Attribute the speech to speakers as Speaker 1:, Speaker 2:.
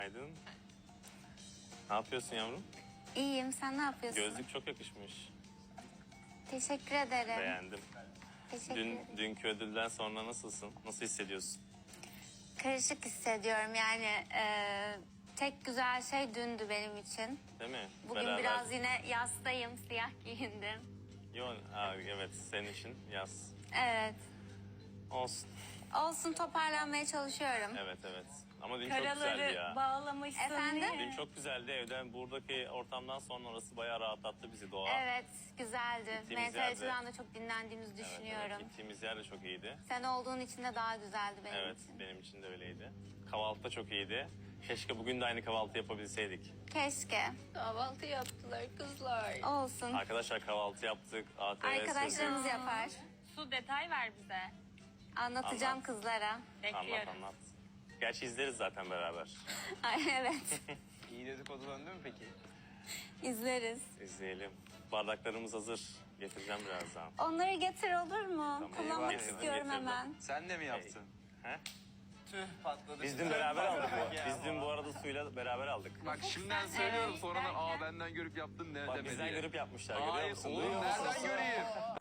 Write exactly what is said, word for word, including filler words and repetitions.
Speaker 1: Günaydın. Ne yapıyorsun yavrum?
Speaker 2: İyiyim, sen ne yapıyorsun?
Speaker 1: Gözlük çok yakışmış.
Speaker 2: Teşekkür ederim.
Speaker 1: Beğendim.
Speaker 2: Teşekkür
Speaker 1: Dün,
Speaker 2: ederim.
Speaker 1: dünkü ödülden sonra nasılsın? Nasıl hissediyorsun?
Speaker 2: Karışık hissediyorum yani e, tek güzel şey dündü benim için.
Speaker 1: Değil mi?
Speaker 2: Bugün
Speaker 1: Beraber-
Speaker 2: biraz yine yastayım, siyah giyindim.
Speaker 1: Yo, ha, evet senin için yaz.
Speaker 2: Evet.
Speaker 1: Olsun.
Speaker 2: Olsun, toparlanmaya çalışıyorum.
Speaker 1: Evet evet. Ama dün çok güzeldi
Speaker 3: Karaları
Speaker 1: ya.
Speaker 3: bağlamışsın.
Speaker 2: Efendim?
Speaker 3: diye.
Speaker 1: Dün çok güzeldi evden. Buradaki ortamdan sonra orası bayağı rahatlattı bizi doğa.
Speaker 2: Evet, güzeldi.
Speaker 1: Gittiğimiz
Speaker 2: Mental
Speaker 1: yerde-
Speaker 2: açıdan da çok dinlendiğimizi
Speaker 1: Evet,
Speaker 2: düşünüyorum.
Speaker 1: evet. Gittiğimiz yer de çok iyiydi.
Speaker 2: Sen olduğun için de daha güzeldi benim
Speaker 1: Evet
Speaker 2: için.
Speaker 1: benim için de öyleydi. Kahvaltı da çok iyiydi. Keşke bugün de aynı kahvaltı yapabilseydik.
Speaker 2: Keşke.
Speaker 3: Kahvaltı yaptılar kızlar.
Speaker 2: Olsun.
Speaker 1: Arkadaşlar kahvaltı yaptık. A T V
Speaker 2: Arkadaşlarımız
Speaker 1: sürdük.
Speaker 2: yapar.
Speaker 3: Su detay ver bize.
Speaker 2: Anlatacağım
Speaker 1: Anlat.
Speaker 2: kızlara.
Speaker 1: Anlat
Speaker 3: Bekliyoruz.
Speaker 1: anlat. Gerçi izleriz zaten beraber.
Speaker 2: Ay, evet.
Speaker 4: İyi dedikodu döndü mü peki?
Speaker 2: İzleriz.
Speaker 1: İzleyelim. Bardaklarımız hazır. Getireceğim birazdan.
Speaker 2: Onları getir olur mu? Kullanmak
Speaker 1: getirdim,
Speaker 2: istiyorum
Speaker 1: getirdim.
Speaker 2: hemen.
Speaker 4: Sen de mi yaptın?
Speaker 1: He?
Speaker 4: Tüh patladı.
Speaker 1: Biz dün beraber aldık. Bu. Biz dün bu arada suyla beraber aldık.
Speaker 5: Bak şimdiden söylüyorum sonradan aa benden görüp yaptın ne
Speaker 1: Bak
Speaker 5: deme
Speaker 1: bizden
Speaker 5: diye.
Speaker 1: görüp yapmışlar. Görüyor
Speaker 5: Hayır
Speaker 1: musun?
Speaker 5: oğlum
Speaker 1: Duyuyor musun?
Speaker 5: nereden göreyim?